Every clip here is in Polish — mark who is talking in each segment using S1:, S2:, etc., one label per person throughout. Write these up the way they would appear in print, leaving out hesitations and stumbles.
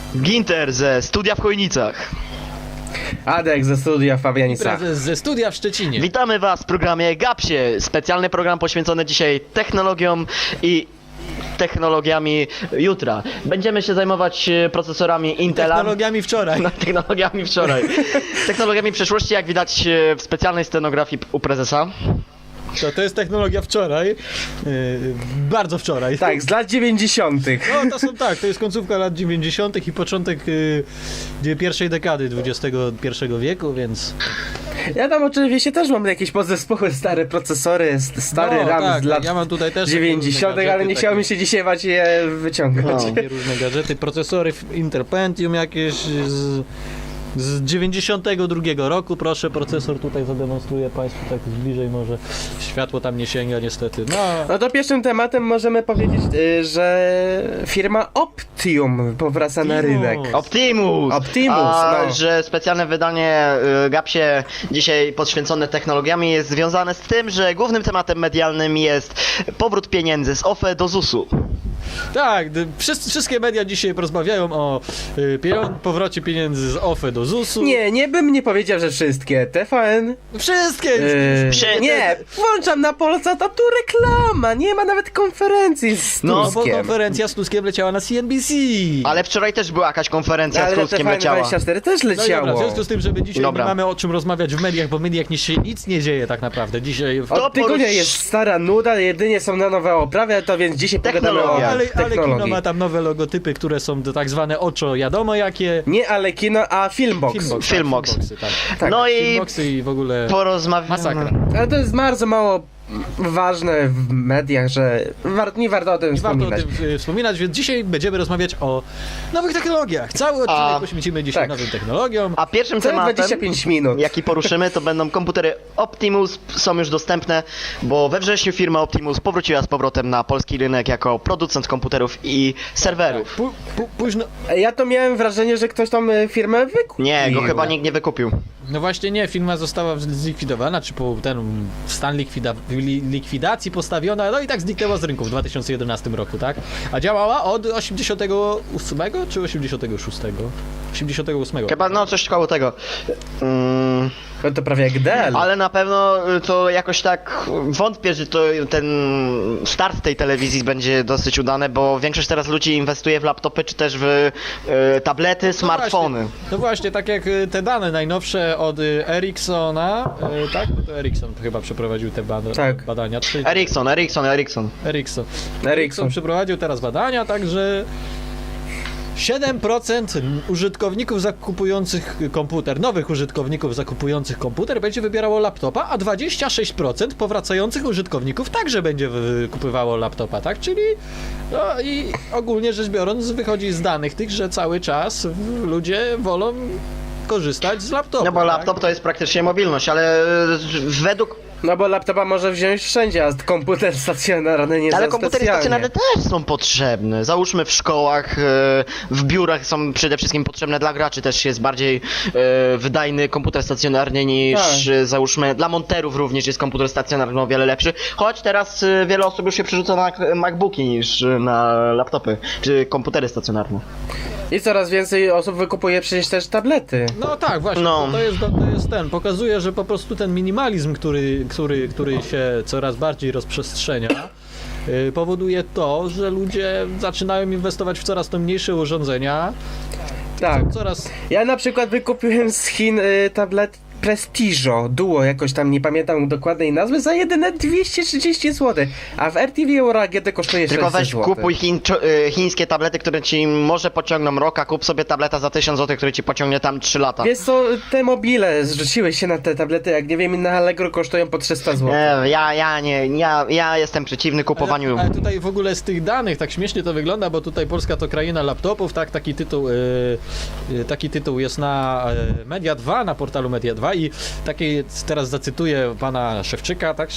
S1: Ginter ze studia w Chojnicach.
S2: Adek ze studia w Fabianicach.
S3: Prezes ze studia w Szczecinie.
S1: Witamy Was w programie Gapsie. Specjalny program poświęcony dzisiaj technologiom i technologiami jutra. Będziemy się zajmować procesorami Intela.
S3: Technologiami wczoraj.
S1: No, technologiami wczoraj. Technologiami przyszłości, jak widać w specjalnej scenografii u prezesa.
S3: To jest technologia wczoraj. Bardzo wczoraj.
S2: Tak, z lat 90.
S3: No to jest końcówka lat 90. i początek pierwszej dekady XXI wieku, więc...
S2: Ja tam oczywiście też mam jakieś podzespoły, stare procesory, stary RAM
S3: tak,
S2: z lat
S3: ja mam tutaj też
S2: 90., ale nie chciałbym się dzisiaj je wyciągać.
S3: takie różne gadżety, procesory Intel Pentium jakieś z 92 roku, proszę, procesor tutaj zademonstruję Państwu tak bliżej, może światło tam nie sięga niestety.
S2: No to pierwszym tematem możemy powiedzieć, że firma Optium powraca na rynek.
S1: Optimus!
S2: No.
S1: Że specjalne wydanie Gapsie dzisiaj poświęcone technologiami jest związane z tym, że głównym tematem medialnym jest powrót pieniędzy z OFE do ZUS-u.
S3: Tak, wszystkie media dzisiaj porozmawiają o powrocie pieniędzy z OFE do ZUS-u.
S2: Nie bym nie powiedział, że wszystkie. TVN.
S3: Wszystkie!
S2: Nie, włączam na Polsat, a tu reklama, nie ma nawet konferencji z
S1: No,
S3: No bo
S2: Tuskiem.
S3: konferencja z Tuskiem leciała na CNBC.
S1: Ale wczoraj też była jakaś konferencja
S2: Ale
S1: z
S2: na
S1: Tuskiem
S2: TVN
S1: leciała.
S2: 24 też
S3: No i dobra,
S2: leciało.
S3: w związku z tym, żeby dzisiaj
S1: Dobra.
S3: nie mamy o czym rozmawiać w mediach, bo w mediach nic nie dzieje tak naprawdę. Dzisiaj...
S2: Od tygodnia jest stara nuda, jedynie są na nowe oprawy, to więc dzisiaj pogadamy o
S1: Technologia.
S3: Ale kino
S2: technologii.
S3: ma tam nowe logotypy, które są tak zwane oczo wiadomo jakie.
S2: Nie ale kino, a Filmbox.
S1: Filmbox.
S3: Tak.
S2: Tak.
S1: No i
S3: Filmboxy i w ogóle
S1: porozmawiamy.
S3: masakra.
S2: Ale to jest bardzo mało ważne w mediach, że nie warto o tym
S3: Nie warto o
S2: wspominać.
S3: tym wspominać, więc dzisiaj będziemy rozmawiać o nowych technologiach. Cały odcinek poświęcimy dzisiaj
S2: tak.
S3: nowym technologiom.
S1: A pierwszym
S2: Co
S1: tematem,
S2: 25 minut.
S1: jaki poruszymy, to będą komputery Optimus, są już dostępne, bo we wrześniu firma Optimus powróciła z powrotem na polski rynek jako producent komputerów i serwerów.
S3: Późno...
S2: Ja to miałem wrażenie, że ktoś tam firmę wykupił.
S1: Nie, go chyba nikt nie wykupił.
S3: No właśnie nie, firma została zlikwidowana, czy w stan likwidacji postawiona, no i tak zniknęła z rynku w 2011 roku, tak? A działała od 88 czy 86? 88.
S1: Chyba no coś koło tego.
S2: No to prawie jak Dell.
S1: Ale na pewno to jakoś tak wątpię, że ten start tej telewizji będzie dosyć udany, bo większość teraz ludzi inwestuje w laptopy czy też w tablety, smartfony.
S3: No właśnie, tak jak te dane najnowsze od Ericssona, tak? No to Ericsson chyba przeprowadził te
S2: Tak.
S3: badania.
S2: Ericsson.
S3: Przeprowadził teraz badania, także 7% użytkowników zakupujących komputer, nowych użytkowników zakupujących komputer będzie wybierało laptopa, a 26% powracających użytkowników także będzie kupywało laptopa, tak? Czyli no i ogólnie rzecz biorąc wychodzi z danych tych, że cały czas ludzie wolą korzystać z laptopa.
S1: No bo
S3: tak?
S1: laptop to jest praktycznie mobilność, ale według...
S2: No bo laptopa może wziąć wszędzie, a komputer stacjonarny nie
S1: Ale
S2: za
S1: komputery
S2: specjalnie.
S1: stacjonarne też są potrzebne. Załóżmy w szkołach, w biurach są przede wszystkim potrzebne dla graczy, też jest bardziej wydajny komputer stacjonarny niż załóżmy dla monterów również jest komputer stacjonarny o wiele lepszy. Choć teraz wiele osób już się przerzuca na MacBooki niż na laptopy czy komputery stacjonarne.
S2: I coraz więcej osób wykupuje przecież też tablety.
S3: No tak, właśnie,
S1: No.
S3: to jest ten, pokazuje, że po prostu ten minimalizm, który się coraz bardziej rozprzestrzenia, powoduje to, że ludzie zaczynają inwestować w coraz to mniejsze urządzenia,
S2: Tak.
S3: coraz...
S2: Ja na przykład wykupiłem z Chin tablet Prestiżo Duo, jakoś tam nie pamiętam dokładnej nazwy, za jedyne 230 zł, a w RTV Euro AGD kosztuje 600
S1: Tylko weź
S2: zł.
S1: kupuj chińskie tablety, które ci może pociągną rok, a kup sobie tableta za 1000 zł, który ci pociągnie tam 3 lata.
S2: Wiesz co, te mobile zrzuciły się na te tablety, jak nie wiem, na Allegro kosztują po 300 zł.
S1: Ja jestem przeciwny kupowaniu.
S3: Ale tutaj w ogóle z tych danych, tak śmiesznie to wygląda, bo tutaj Polska to kraina laptopów, tak, taki tytuł jest na Media 2, na portalu Media 2 i taki, teraz zacytuję pana Szewczyka, tak,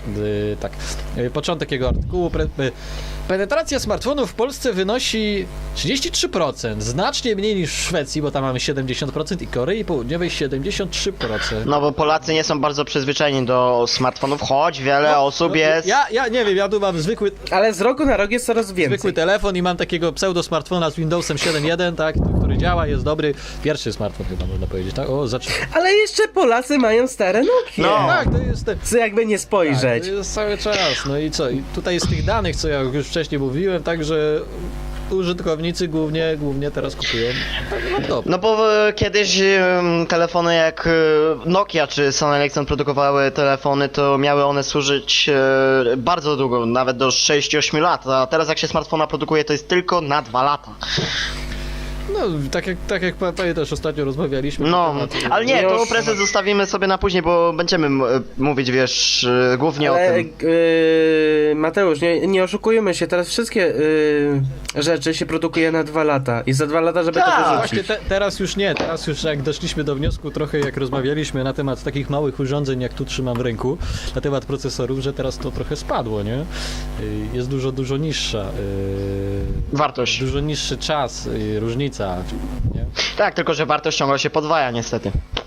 S3: początek jego artykułu. Penetracja smartfonów w Polsce wynosi 33%, znacznie mniej niż w Szwecji, bo tam mamy 70% i Korei Południowej 73%.
S1: No bo Polacy nie są bardzo przyzwyczajeni do smartfonów, choć wiele osób jest...
S3: Ja nie wiem, ja tu mam zwykły
S2: Ale z roku na rok jest coraz więcej.
S3: telefon i mam takiego pseudo smartfona z Windowsem 7.1, tak, który który działa, jest dobry. Pierwszy smartfon chyba można powiedzieć, tak? O, zaczynamy.
S2: Ale jeszcze Polacy mają stare Nokie.
S1: No.
S3: Tak, to jest...
S2: Co jakby nie spojrzeć.
S3: Tak, to jest cały czas. No i co? I tutaj z tych danych, co ja już wcześniej mówiłem, także użytkownicy głównie teraz kupują laptop.
S1: No bo kiedyś telefony jak Nokia czy Sony Ericsson produkowały telefony, to miały one służyć bardzo długo, nawet do 6-8 lat, a teraz jak się smartfona produkuje, to jest tylko na 2 lata.
S3: No, tak jak pamiętasz, ostatnio rozmawialiśmy.
S1: No,
S3: na temat,
S1: ale nie, to
S2: Już-
S1: prezent zostawimy sobie na później, bo będziemy mówić, wiesz, głównie o
S2: Ale
S1: tym.
S2: Mateusz, nie oszukujmy się, teraz wszystkie rzeczy się produkuje na 2 lata i za 2 lata, żeby
S1: Tak.
S2: to wyrzucić.
S3: Właśnie teraz już nie, teraz już jak doszliśmy do wniosku trochę jak rozmawialiśmy na temat takich małych urządzeń, jak tu trzymam w ręku, na temat procesorów, że teraz to trochę spadło, nie? Jest dużo niższa,
S1: Wartość.
S3: dużo niższy czas, różnica, nie?
S1: Tak, tylko że wartość ciągle się podwaja niestety.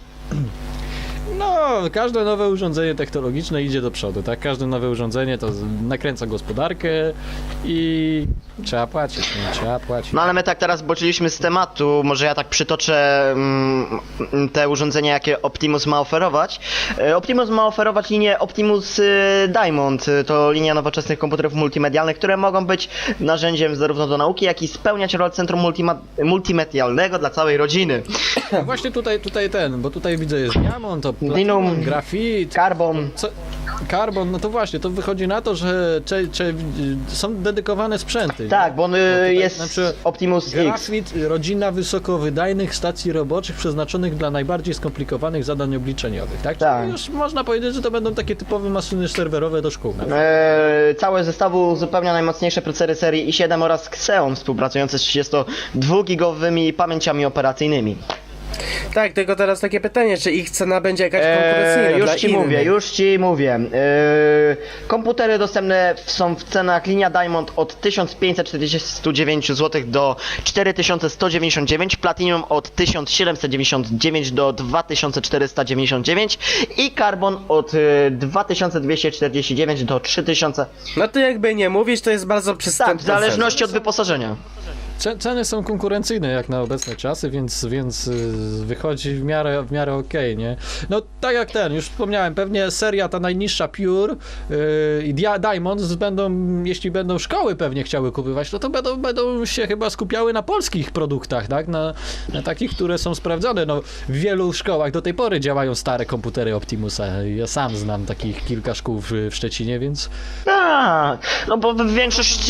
S3: No, każde nowe urządzenie technologiczne idzie do przodu, tak? Każde nowe urządzenie to nakręca gospodarkę i trzeba płacić, nie? Trzeba płacić.
S1: No ale my tak teraz boczyliśmy z tematu, może ja tak przytoczę te urządzenia, jakie Optimus ma oferować. Optimus ma oferować linię Optimus Diamond, to linia nowoczesnych komputerów multimedialnych, które mogą być narzędziem zarówno do nauki, jak i spełniać rolę centrum multimedialnego dla całej rodziny.
S3: No właśnie tutaj bo tutaj widzę jest diamont, to
S1: Platinum,
S3: platinum, grafit,
S1: Carbon.
S3: Carbon, no to właśnie, to wychodzi na to, że są dedykowane sprzęty.
S1: Tak, bo on
S3: tutaj
S1: jest
S3: na przykład
S1: Optimus X.
S3: Grafit, rodzina wysokowydajnych stacji roboczych przeznaczonych dla najbardziej skomplikowanych zadań obliczeniowych, tak?
S1: Tak.
S3: Czyli już można powiedzieć, że to będą takie typowe maszyny serwerowe do szkół. Tak?
S1: Całe zestawu uzupełnia najmocniejsze procesory serii i7 oraz Xeon współpracujące z 32-gigowymi pamięciami operacyjnymi.
S2: Tak, tylko teraz takie pytanie, czy ich cena będzie jakaś konkurencyjna
S1: Już
S2: dla
S1: ci
S2: innych?
S1: mówię, już ci mówię. Komputery dostępne są w cenach linia Diamond od 1549 zł do 4199, Platinum od 1799 do 2499 i Carbon od 2249 do 3000.
S2: No to jakby nie mówić, to jest bardzo
S1: Tak,
S2: przystępna
S1: w zależności od wyposażenia.
S3: Ceny są konkurencyjne jak na obecne czasy, więc wychodzi w miarę okej, nie? No tak jak już wspomniałem, pewnie seria ta najniższa Pure i Diamonds jeśli będą szkoły pewnie chciały kupować, no to będą się chyba skupiały na polskich produktach, tak? Na takich, które są sprawdzone. No, w wielu szkołach do tej pory działają stare komputery Optimusa. Ja sam znam takich kilka szkół w Szczecinie, więc...
S1: Tak, no bo większość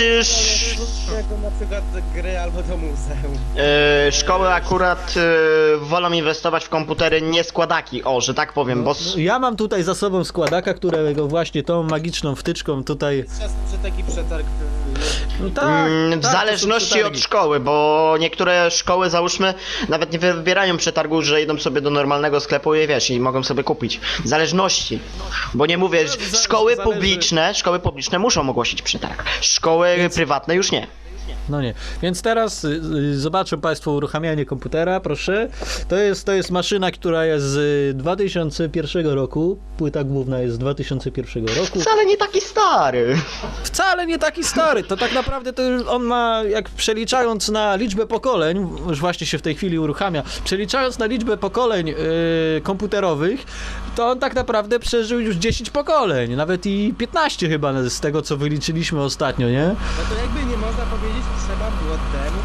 S2: Jako na przykład gry albo do muzeum.
S1: szkoły akurat wolą inwestować w komputery, nie składaki, że tak powiem, bo
S3: Ja mam tutaj za sobą składaka, którego właśnie tą magiczną wtyczką tutaj...
S2: Że taki przetarg...
S3: No tak,
S1: w
S3: tak,
S1: zależności
S3: to są
S1: od
S3: przetargi.
S1: szkoły, bo niektóre szkoły, załóżmy, nawet nie wybierają przetargu, że idą sobie do normalnego sklepu i wiesz, i mogą sobie kupić. W zależności. Bo nie mówię, że szkoły publiczne muszą ogłosić przetarg. Szkoły prywatne już nie.
S3: No nie. Więc teraz zobaczą Państwo uruchamianie komputera, proszę. To jest maszyna, która jest z 2001 roku. Płyta główna jest z 2001 roku.
S1: Wcale nie taki stary.
S3: Wcale nie taki stary. To tak naprawdę to on ma, jak przeliczając na liczbę pokoleń, już właśnie się w tej chwili uruchamia, przeliczając na liczbę pokoleń komputerowych, to on tak naprawdę przeżył już 10 pokoleń. Nawet i 15 chyba z tego, co wyliczyliśmy ostatnio, nie?
S2: No to jakby nie można powiedzieć, trzeba było temu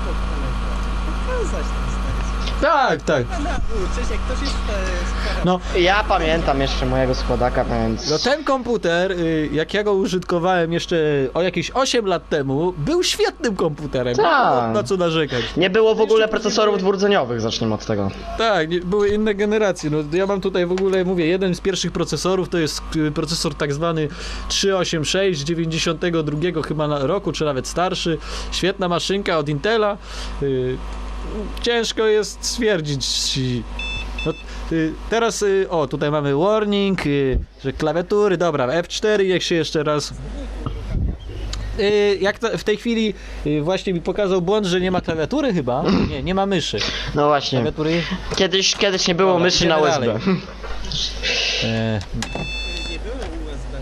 S2: pokazać ten stary.
S3: Tak.
S2: Nauczyć, jak ktoś jest
S3: No,
S1: Ja pamiętam jeszcze mojego składaka, więc...
S3: no ten komputer, jak ja go użytkowałem jeszcze o jakieś 8 lat temu, był świetnym komputerem.
S1: Tak.
S3: Na co narzekać.
S1: Nie było w ogóle procesorów dwurdzeniowych, zacznijmy od tego.
S3: Tak, były inne generacje. No, ja mam tutaj w ogóle, mówię, jeden z pierwszych procesorów to jest procesor tak zwany 386 92 chyba roku, czy nawet starszy. Świetna maszynka od Intela. Ciężko jest stwierdzić. No, teraz, tutaj mamy warning, że klawiatury, dobra, F4, jak się jeszcze raz... w tej chwili właśnie mi pokazał błąd, że nie ma klawiatury chyba. Nie ma myszy.
S1: No właśnie.
S3: Klawiatury.
S1: Kiedyś nie było
S3: Dobra,
S1: myszy na
S3: idziemy
S1: USB.
S3: dalej.
S2: Nie było USB, zacznijmy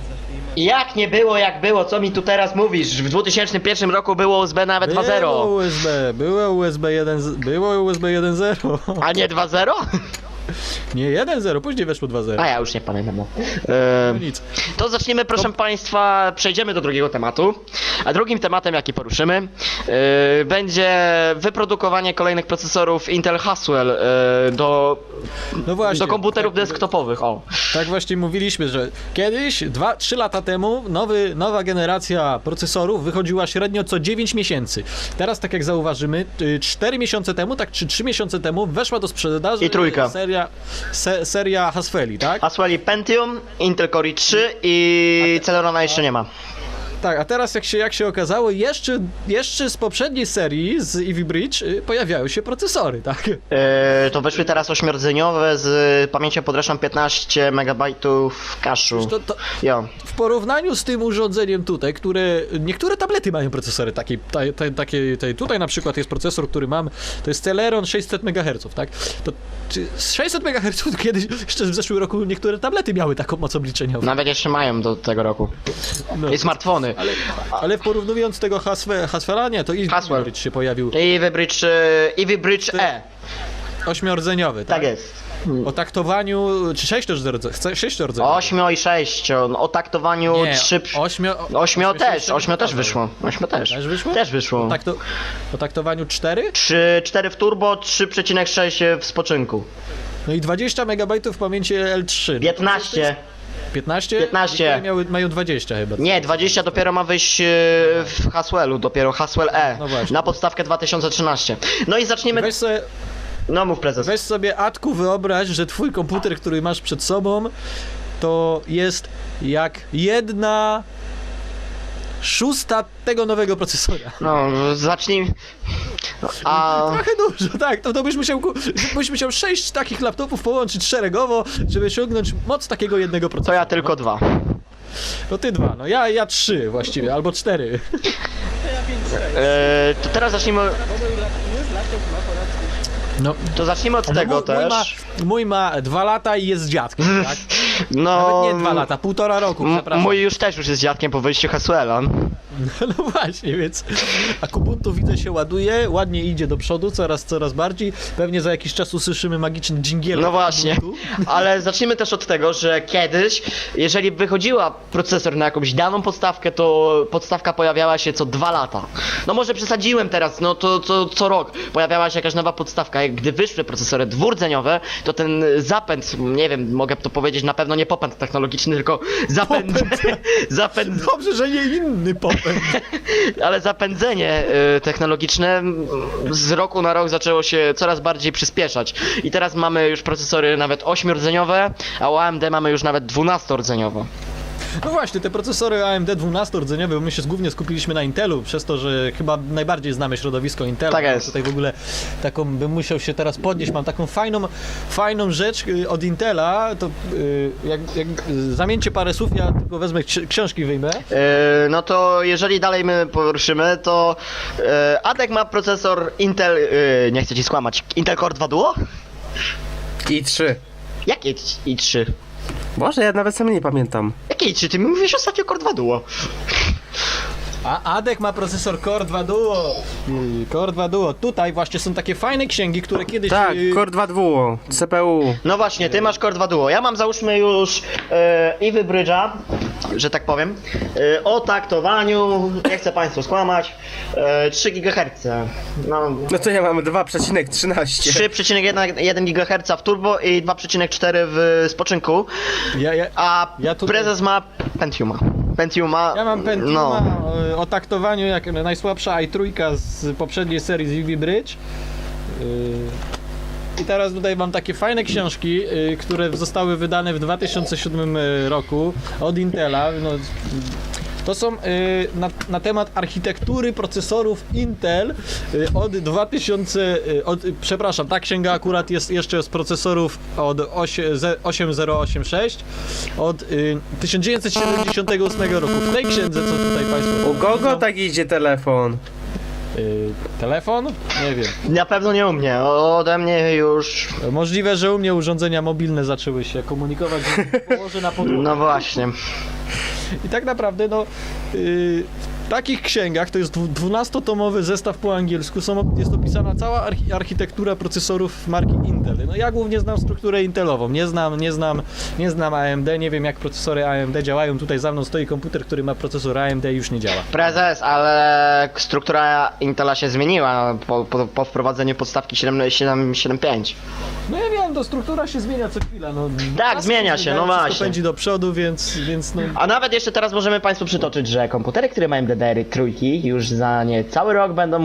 S1: Jak nie było, jak było, co mi tu teraz mówisz? W 2001 roku było USB nawet 2.0.
S3: Było USB 1.0.
S1: A nie 2.0?
S3: Nie 1.0, później weszło 2.0.
S1: A ja już nie pamiętam. No.
S3: No nic.
S1: To zaczniemy, proszę Państwa, przejdziemy do drugiego tematu. A drugim tematem, jaki poruszymy, będzie wyprodukowanie kolejnych procesorów Intel Haswell
S3: No właśnie,
S1: do komputerów
S3: tak,
S1: desktopowych. O.
S3: Tak właśnie mówiliśmy, że kiedyś, 2-3 lata temu, nowa generacja procesorów wychodziła średnio co 9 miesięcy. Teraz, tak jak zauważymy, 4 miesiące temu, tak czy 3 miesiące temu weszła do sprzedaży
S1: I trójka.
S3: seria Haswelli, tak?
S1: Haswell Pentium, Intel Core i3 i Celerona jeszcze nie ma.
S3: Tak, a teraz jak się okazało, jeszcze z poprzedniej serii, z Ivy Bridge, pojawiają się procesory, tak?
S1: To weszły teraz 8-rdzeniowe z pamięcią podręczną 15 MB cache'u.
S3: To
S1: Jo.
S3: w porównaniu z tym urządzeniem tutaj, niektóre tablety mają procesory takiej, tutaj na przykład jest procesor, który mam, to jest Celeron 600 MHz, tak? To z 600 MHz kiedyś, jeszcze w zeszłym roku niektóre tablety miały taką moc obliczeniową.
S1: Nawet jeszcze mają do tego roku.
S3: No.
S1: I smartfony.
S3: Ale porównując tego Haswella, nie, to
S1: Haswell.
S3: Bridge się pojawił.
S1: Ivy Bridge E.
S3: 8-rdzeniowy, tak?
S1: Tak jest.
S3: O taktowaniu, czy 6-rdzeniowy?
S1: 8 i 6, o taktowaniu
S3: Nie,
S1: 3. 8 też wyszło. 8 też.
S3: Też wyszło?
S1: Też wyszło.
S3: O taktowaniu 4?
S1: 4 w turbo, 3,6 w spoczynku.
S3: No i 20 MB pamięci L3.
S1: 15.
S3: 15?
S1: 15.
S3: Mają 20 chyba.
S1: Nie, 20 dopiero ma wyjść w Haswellu, dopiero Haswell E.
S3: No właśnie.
S1: Na podstawkę 2013. No i zaczniemy. No mów prezes.
S3: Weź sobie, Atku, wyobraź, że twój komputer, który masz przed sobą, to jest jak 1/6 tego nowego procesora.
S1: No, zacznij. A.
S3: Trochę dużo, tak, to byś musiał 6 takich laptopów połączyć szeregowo, żeby osiągnąć moc takiego jednego
S1: To
S3: procesora.
S1: ja tylko 2.
S3: No ty 2, no ja 3 właściwie, albo 4.
S1: To teraz zacznijmy.
S3: No,
S1: To zacznijmy od tego też.
S3: Mój ma 2 lata i jest dziadkiem, tak?
S1: No.
S3: Nawet nie 2 lata, 1,5 roku, przepraszam.
S1: Mój już jest dziadkiem po wyjściu Haswella.
S3: No właśnie, więc a Kubuntu widzę się ładuje, ładnie idzie do przodu, coraz bardziej. Pewnie za jakiś czas usłyszymy magiczny dżingiel.
S1: No właśnie, ale zacznijmy też od tego, że kiedyś, jeżeli wychodziła procesor na jakąś daną podstawkę, to podstawka pojawiała się co 2 lata. No może przesadziłem teraz, no to co rok pojawiała się jakaś nowa podstawka. Jak gdy wyszły procesory dwurdzeniowe, to ten zapęd, nie wiem, mogę to powiedzieć, na pewno nie popęd technologiczny, tylko zapęd.
S3: Dobrze, że nie inny popęd.
S1: Ale zapędzenie technologiczne z roku na rok zaczęło się coraz bardziej przyspieszać. I teraz mamy już procesory nawet 8-rdzeniowe, a u AMD mamy już nawet 12-rdzeniowe.
S3: No właśnie, te procesory AMD 12-rdzeniowe, bo my się głównie skupiliśmy na Intelu, przez to, że chyba najbardziej znamy środowisko Intela.
S1: Tak jest.
S3: Tutaj w ogóle taką bym musiał się teraz podnieść, mam taką fajną rzecz od Intela, to jak zamieńcie parę słów, ja tylko wezmę książki wyjmę.
S1: No to jeżeli dalej my poruszymy, to Adek ma procesor Intel, nie chcę ci skłamać, Intel Core 2 Duo?
S2: i3.
S1: Jakie i3?
S2: Boże, ja nawet sam nie pamiętam.
S1: Jakie i3? Ty mi mówisz ostatnio Core 2 Duo.
S3: A Adek ma procesor Core 2 Duo. Core 2 Duo. Tutaj właśnie są takie fajne księgi, które kiedyś...
S2: Tak, Core 2 Duo, CPU.
S1: No właśnie, ty masz Core 2 Duo. Ja mam załóżmy już Ivy Bridge'a, że tak powiem, o taktowaniu, nie chcę państwu skłamać, 3 GHz.
S2: No to ja mam 2,13.
S1: 3,1 GHz w turbo i 2,4 w spoczynku. A
S3: ja tutaj...
S1: prezes ma Pentiuma.
S3: Ja mam Pentiuma
S1: no.
S3: o taktowaniu jak najsłabsza i3 z poprzedniej serii z Ivy Bridge. I teraz tutaj mam takie fajne książki, które zostały wydane w 2007 roku od Intela. No, to są na temat architektury procesorów Intel od 2000, przepraszam, ta księga akurat jest jeszcze z procesorów od 8086 od 1978 roku. W tej księdze, co tutaj Państwo...
S2: U kogo tak idzie telefon?
S3: Telefon? Nie wiem.
S1: Na pewno nie u mnie, ode mnie już...
S3: Możliwe, że u mnie urządzenia mobilne zaczęły się komunikować, że położę na podłogę.
S1: No właśnie.
S3: I tak naprawdę, no, w takich księgach, to jest 12-tomowy zestaw po angielsku, jest opisana cała architektura procesorów marki Intel. No ja głównie znam strukturę Intelową, nie znam AMD, nie wiem jak procesory AMD działają. Tutaj za mną stoi komputer, który ma procesor AMD i już nie działa.
S1: Prezes, ale struktura Intela się zmieniła po wprowadzeniu podstawki 7.7.5.
S3: No ja wiem, to struktura się zmienia co chwila. No,
S1: Tak,
S3: czasy
S1: zmienia się, no
S3: wszystko
S1: właśnie.
S3: pędzi do przodu, więc no...
S1: A nawet jeszcze teraz możemy Państwu przytoczyć, że komputery, które mają DDR-y trójki, już za niecały rok będą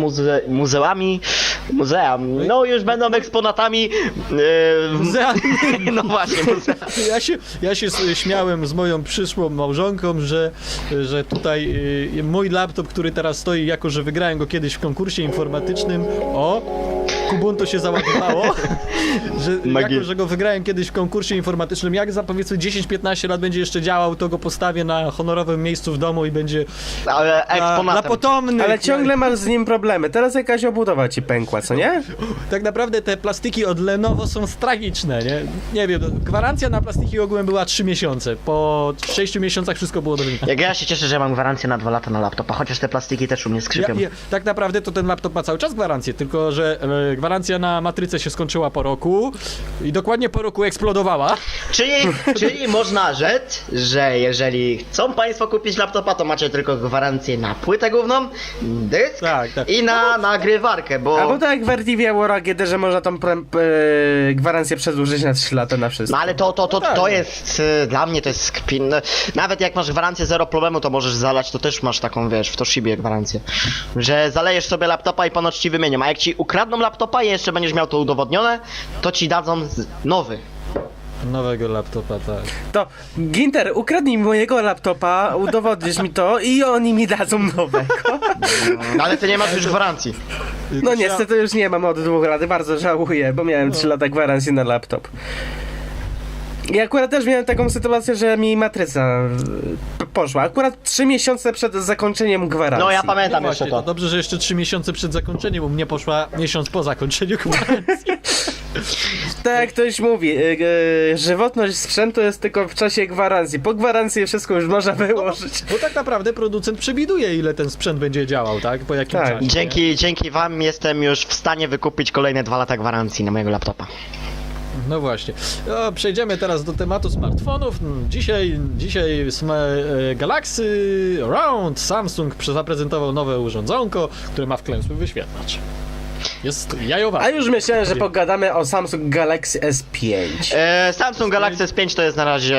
S1: no już będą eksponatami
S3: Muzealnymi.
S1: no właśnie, muzea.
S3: Ja się śmiałem z moją przyszłą małżonką, że tutaj mój laptop, który teraz stoi, jako że wygrałem go kiedyś w konkursie informatycznym, Kubuntu się załadowało, jako że go wygrałem kiedyś w konkursie informatycznym, jak za powiedzmy 10-15 lat będzie jeszcze działał, to go postawię na honorowym miejscu w domu i będzie
S1: Ale
S3: na
S1: eksponatem.
S3: potomnych.
S2: Ale ciągle masz z nim problemy. Teraz jakaś obudowa ci pękła, co nie?
S3: Tak naprawdę te plastiki od Lenovo są tragiczne, nie? Nie wiem, gwarancja na plastiki ogółem była 3 miesiące. Po 6 miesiącach wszystko było do wymiany.
S1: Jak ja się cieszę, że mam gwarancję na 2 lata na laptopa, chociaż te plastiki też u mnie skrzypią.
S3: Tak naprawdę to ten laptop ma cały czas gwarancję, tylko że gwarancja na matrycę się skończyła po roku i dokładnie po roku eksplodowała.
S1: Czyli można rzec, że jeżeli chcą Państwo kupić laptopa, to macie tylko gwarancję na płytę główną, dysk
S3: Tak.
S1: i na nagrywarkę, bo...
S2: Albo tak jak w RTV War AGD, że można tą gwarancję przedłużyć na 3 lata na wszystko.
S1: No ale
S3: tak.
S1: to jest, dla mnie to jest kpin. No, nawet jak masz gwarancję 0 problemu, to możesz zalać, to też masz taką, wiesz, w Toshibie gwarancję. Że zalejesz sobie laptopa i ponoć ci wymienią, a jak ci ukradną laptopa i jeszcze będziesz miał to udowodnione, to ci dadzą nowy.
S3: Nowego laptopa, tak.
S2: To Ginter, ukradnij mi mojego laptopa, udowodnisz mi to i oni mi dadzą nowego.
S1: No, ale ty nie masz już gwarancji.
S2: No niestety już nie mam od 2 lat, bardzo żałuję, bo miałem 3 lata gwarancji na laptop. I akurat też miałem taką sytuację, że mi matryca poszła. Akurat 3 miesiące przed zakończeniem gwarancji.
S1: No ja
S3: No
S1: pamiętam
S3: właśnie,
S1: jeszcze
S3: to
S1: to.
S3: dobrze, że jeszcze 3 miesiące przed zakończeniem, u mnie poszła miesiąc po zakończeniu gwarancji.
S2: Tak jak ktoś mówi, żywotność sprzętu jest tylko w czasie gwarancji. Po gwarancji wszystko już można wyłożyć.
S3: Bo tak naprawdę producent przewiduje, ile ten sprzęt będzie działał, tak? Po jakim
S2: Tak.
S3: czasie.
S1: Dzięki wam jestem już w stanie wykupić kolejne 2 lata gwarancji na mojego laptopa.
S3: No właśnie. Przejdziemy teraz do tematu smartfonów. Dzisiaj Galaxy Round Samsung zaprezentował nowe urządzonko, które ma wklęsły wyświetlacz. Jest jajowa.
S2: A już myślałem, że pogadamy o Samsung Galaxy S5.
S1: Samsung Galaxy S5 to jest na razie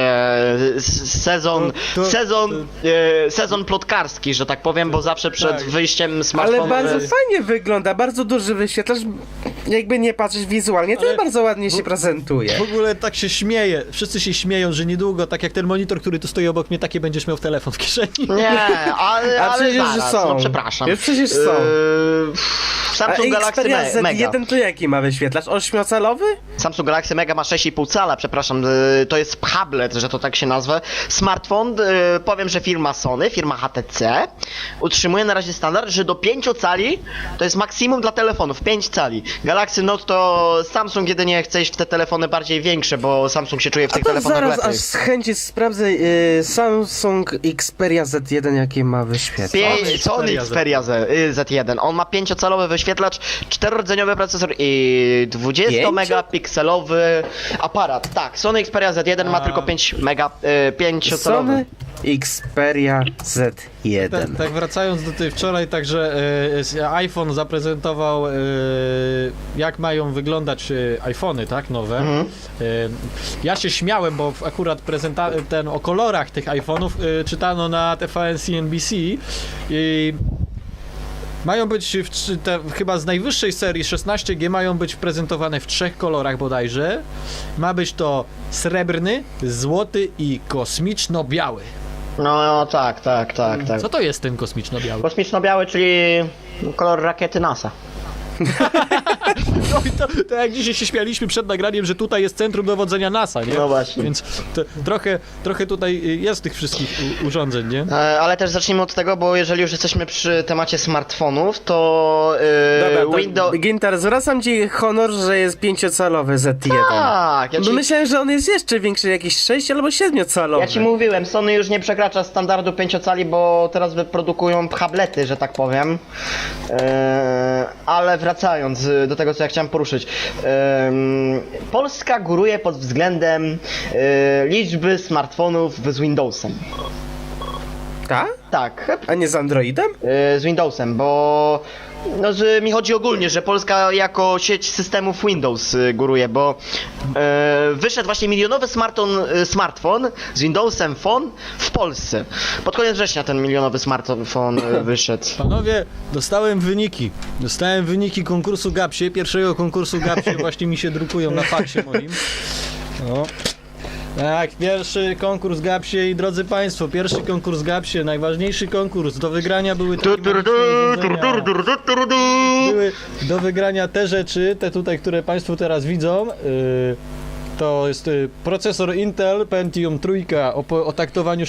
S1: sezon plotkarski, że tak powiem, bo zawsze przed
S3: Tak.
S1: wyjściem smartfonu...
S2: Ale bardzo fajnie wygląda, bardzo duży wyświetlacz. Jakby nie patrzeć wizualnie, to
S3: Ale-
S2: bardzo ładnie się prezentuje.
S3: W ogóle tak się śmieje, wszyscy się śmieją, że niedługo, tak jak ten monitor, który tu stoi obok mnie, takie będziesz miał telefon w kieszeni.
S1: Nie, ale
S2: A przecież
S1: zaraz,
S2: są.
S1: no przepraszam.
S2: Już przecież są.
S1: Samsung
S2: A
S1: Galaxy
S2: Xperia
S1: Mega.
S2: Z1 to jaki ma wyświetlacz? 8-calowy?
S1: Samsung Galaxy Mega ma 6,5 cala, przepraszam, to jest tablet, że to tak się nazwę. Smartfon, powiem, że firma Sony, firma HTC utrzymuje na razie standard, że do 5 cali to jest maksimum dla telefonów, 5 cali. Galaxy Note to Samsung jedynie chce iść w te telefony bardziej większe, bo Samsung się czuje w
S2: A
S1: tych
S2: to
S1: telefonach
S2: zaraz
S1: lepiej.
S2: aż z chęci sprawdzę Samsung Xperia Z1 jakie ma wyświetlacz.
S1: Sony Xperia Z1. On ma 5-calowy wyświetlacz, 4-rdzeniowy procesor i 20-megapikselowy aparat. Tak, Sony Xperia Z1 ma tylko 5-calowy.
S2: Sony Xperia Z1.
S3: Tak, wracając do tej wczoraj, także iPhone zaprezentował, jak mają wyglądać iPhony, tak, nowe. Ja się śmiałem, bo akurat o kolorach tych iPhone'ów czytano na TVN CNBC i mają być chyba z najwyższej serii 16G mają być prezentowane w 3 kolorach bodajże. Ma być to srebrny, złoty i kosmiczno-biały.
S1: No tak.
S3: Co to jest ten kosmiczno-biały?
S1: Kosmiczno-biały, czyli kolor rakiety NASA.
S3: No I to jak dzisiaj się śmialiśmy przed nagraniem, że tutaj jest centrum dowodzenia NASA, nie?
S1: No właśnie.
S3: Więc trochę tutaj jest tych wszystkich urządzeń, nie?
S1: Ale też zacznijmy od tego, bo jeżeli już jesteśmy przy temacie smartfonów, to
S2: Dobra, to
S1: Windows...
S2: Gintar, zwracam ci honor, że jest 5-calowy Z1.
S1: Tak,
S2: Bo myślałem, że on jest jeszcze większy, jakiś 6 albo 7-calowy.
S1: Ja ci mówiłem, Sony już nie przekracza standardu 5-cali, bo teraz wyprodukują tablety, że tak powiem. Ale wracając do tego, co ja chciałem poruszyć. Polska góruje pod względem liczby smartfonów z Windowsem.
S2: Tak?
S1: Tak,
S2: A nie z Androidem?
S1: z Windowsem, bo no, że mi chodzi ogólnie, że Polska jako sieć systemów Windows góruje, bo wyszedł właśnie milionowy smartfon z Windowsem Phone w Polsce. Pod koniec września ten milionowy smartfon wyszedł.
S3: Panowie, dostałem wyniki konkursu Gapsie, pierwszego konkursu Gapsie, właśnie mi się drukują na faksie moim. No. Tak, pierwszy konkurs Gapsie i drodzy Państwo, pierwszy konkurs Gapsie, najważniejszy konkurs, do wygrania były takie magiczne urządzenia. Były do wygrania te rzeczy, te tutaj, które Państwo teraz widzą. To jest procesor Intel Pentium 3 o taktowaniu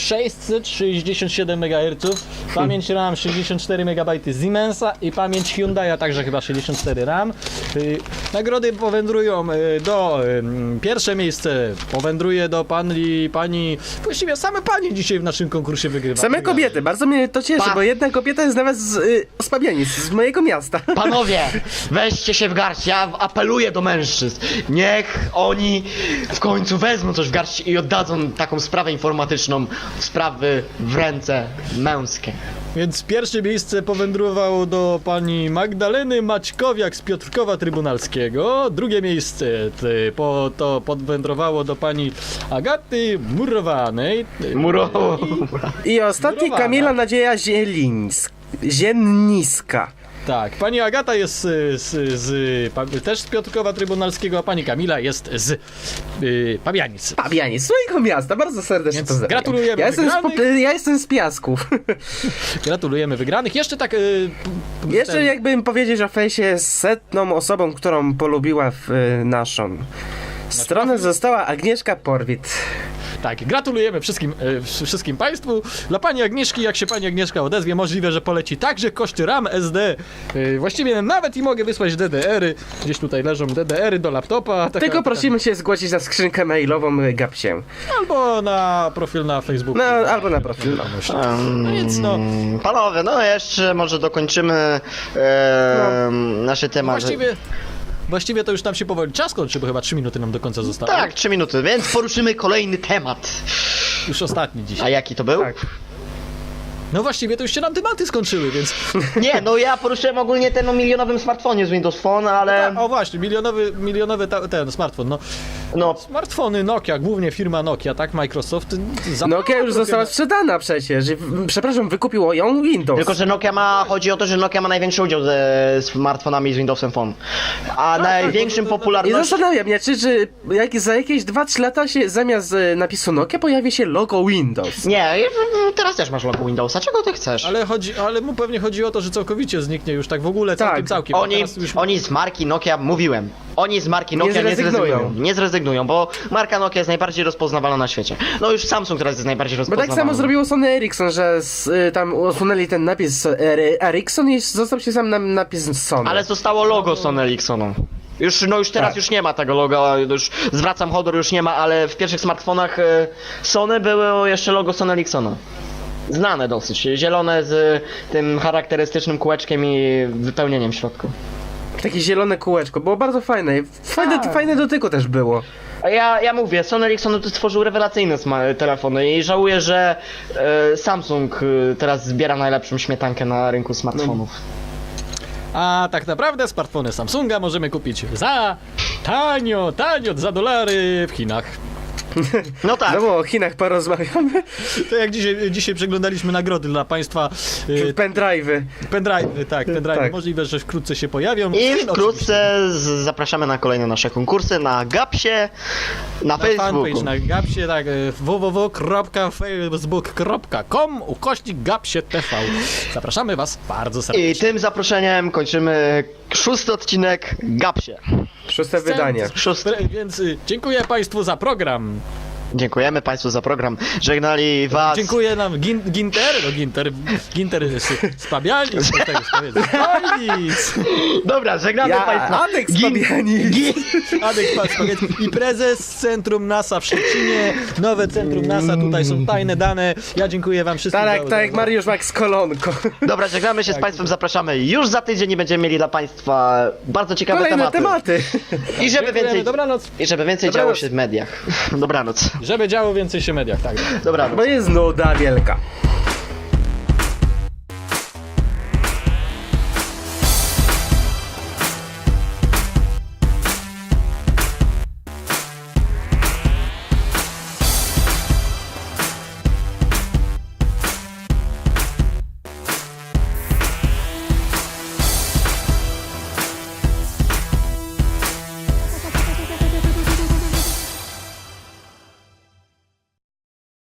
S3: 667 MHz, pamięć RAM 64 MB Siemensa i pamięć Hyundai'a także chyba 64 RAM. Nagrody powędrują do... Pierwsze miejsce powędruje do pani... Właściwie same panie dzisiaj w naszym konkursie wygrywają.
S2: Same kobiety, bardzo mnie to cieszy, bo jedna kobieta jest nawet z Pabianic, z mojego miasta.
S1: Panowie, weźcie się w garść, ja apeluję do mężczyzn. Niech oni w końcu wezmą coś w garść i oddadzą taką sprawę informatyczną, sprawy w ręce męskie.
S3: Więc pierwsze miejsce powędrowało do pani Magdaleny Maćkowiak z Piotrkowa Trybunalskiego. Drugie miejsce to podwędrowało do pani Agaty Murowanej.
S2: I ostatni
S3: Murowana.
S2: Kamila Nadzieja Zienniska.
S3: Tak, pani Agata jest też z Piotrkowa Trybunalskiego, a pani Kamila jest z Pabianic.
S2: Pabianic, z mojego miasta, bardzo serdecznie
S3: Więc
S2: pozdrawiam.
S3: gratulujemy
S2: Ja jestem z Piasków.
S3: Gratulujemy wygranych. Jeszcze tak...
S2: Jeszcze jakbym powiedzieć o fejsie z 100 osobą, którą polubiła naszą stronę, została Agnieszka Porwit.
S3: Tak, gratulujemy wszystkim Państwu. Dla pani Agnieszki, jak się pani Agnieszka odezwie, możliwe, że poleci także koszty RAM, SD. Właściwie nawet i mogę wysłać DDR-y. Gdzieś tutaj leżą DDR-y do laptopa.
S2: Tylko prosimy się zgłosić na skrzynkę mailową Gapsie.
S3: Albo na profil na Facebooku.
S2: No, albo na profil.
S3: No więc no.
S1: Panowie, no jeszcze może dokończymy nasze tematy.
S3: Właściwie to już nam się powoli czas kończy, bo chyba 3 minuty nam do końca zostało.
S1: Tak, 3 minuty, więc poruszymy kolejny temat.
S3: Już ostatni
S1: A
S3: dzisiaj.
S1: jaki to był?
S2: Tak.
S3: No właściwie to już się nam tematy skończyły, więc...
S1: Nie, no ja poruszyłem ogólnie ten o milionowym smartfonie z Windows Phone, ale...
S3: O właśnie, milionowy ten smartfon, no.
S1: No,
S3: Smartfony Nokia, głównie firma Nokia, tak? Microsoft...
S2: Nokia już została sprzedana przecież. Przepraszam, wykupiło ją Windows.
S1: tylko że chodzi o to, że Nokia ma największy udział ze smartfonami z Windowsem Phone. A największym
S2: I
S1: popularnością...
S2: zastanawiam mnie, czy za jakieś 2-3 lata się zamiast napisu Nokia pojawi się logo Windows.
S1: Nie, teraz też masz logo Windowsa, czego ty chcesz?
S3: Ale mu pewnie chodzi o to, że całkowicie zniknie już tak w ogóle,
S2: Tak.
S3: całkiem.
S1: Oni z marki Nokia, mówiłem, oni z marki Nokia nie zrezygnują, bo marka Nokia jest najbardziej rozpoznawalna na świecie. No już Samsung teraz jest najbardziej
S2: Bo
S1: rozpoznawalny.
S2: tak samo zrobiło Sony Ericsson, że tam usunęli ten napis Ericsson i został się sam napis Sony.
S1: Ale zostało logo Sony Ericssonu. Już teraz
S2: Tak.
S1: już nie ma tego logo, już zwracam honor, już nie ma, ale w pierwszych smartfonach Sony było jeszcze logo Sony Ericssona. Znane dosyć, zielone z tym charakterystycznym kółeczkiem i wypełnieniem w środku.
S2: Takie zielone kółeczko, było bardzo fajne. Fajne dotyku też było.
S1: A ja mówię, Sony Ericsson stworzył rewelacyjne telefony i żałuję, że Samsung teraz zbiera najlepszą śmietankę na rynku smartfonów.
S3: A tak naprawdę smartfony Samsunga możemy kupić za tanio, za $, w Chinach.
S1: No tak.
S2: No bo o Chinach porozmawiamy.
S3: To jak dzisiaj przeglądaliśmy nagrody dla Państwa,
S2: Pendrive'y.
S3: pendrive, tak.
S2: Tak.
S3: Możliwe, że wkrótce się pojawią.
S1: I
S3: Chin
S1: wkrótce zapraszamy na kolejne nasze konkursy na Gapsie, na Facebooku.
S3: Fanpage na Gapsie, tak, www.facebook.com/Gapsie TV. Zapraszamy Was bardzo serdecznie.
S1: I tym zaproszeniem kończymy 6. odcinek Gapsie.
S2: Szóste wydanie.
S1: Szóste.
S3: Więc dziękuję Państwu za program.
S1: Dziękujemy Państwu za program. Żegnali Was.
S3: Dziękuję nam Ginter z Pabianic.
S1: Dobra, żegnamy Państwa.
S2: Adek z Fabianic.
S3: Adek Pabianic i prezes Centrum NASA w Szczecinie. Nowe Centrum NASA, tutaj są tajne dane. Ja dziękuję Wam wszystkim.
S2: Tak jak Mariusz Max Kolonko.
S1: Dobra, żegnamy się z Państwem, zapraszamy już za tydzień i będziemy mieli dla Państwa bardzo ciekawe
S2: Kolejne tematy.
S1: I żeby więcej,
S3: Dobranoc.
S1: działo
S2: Dobranoc.
S1: się w mediach. Dobranoc.
S3: Żeby działo więcej się w mediach, tak.
S1: Dobranoc.
S2: Bo jest nuda wielka.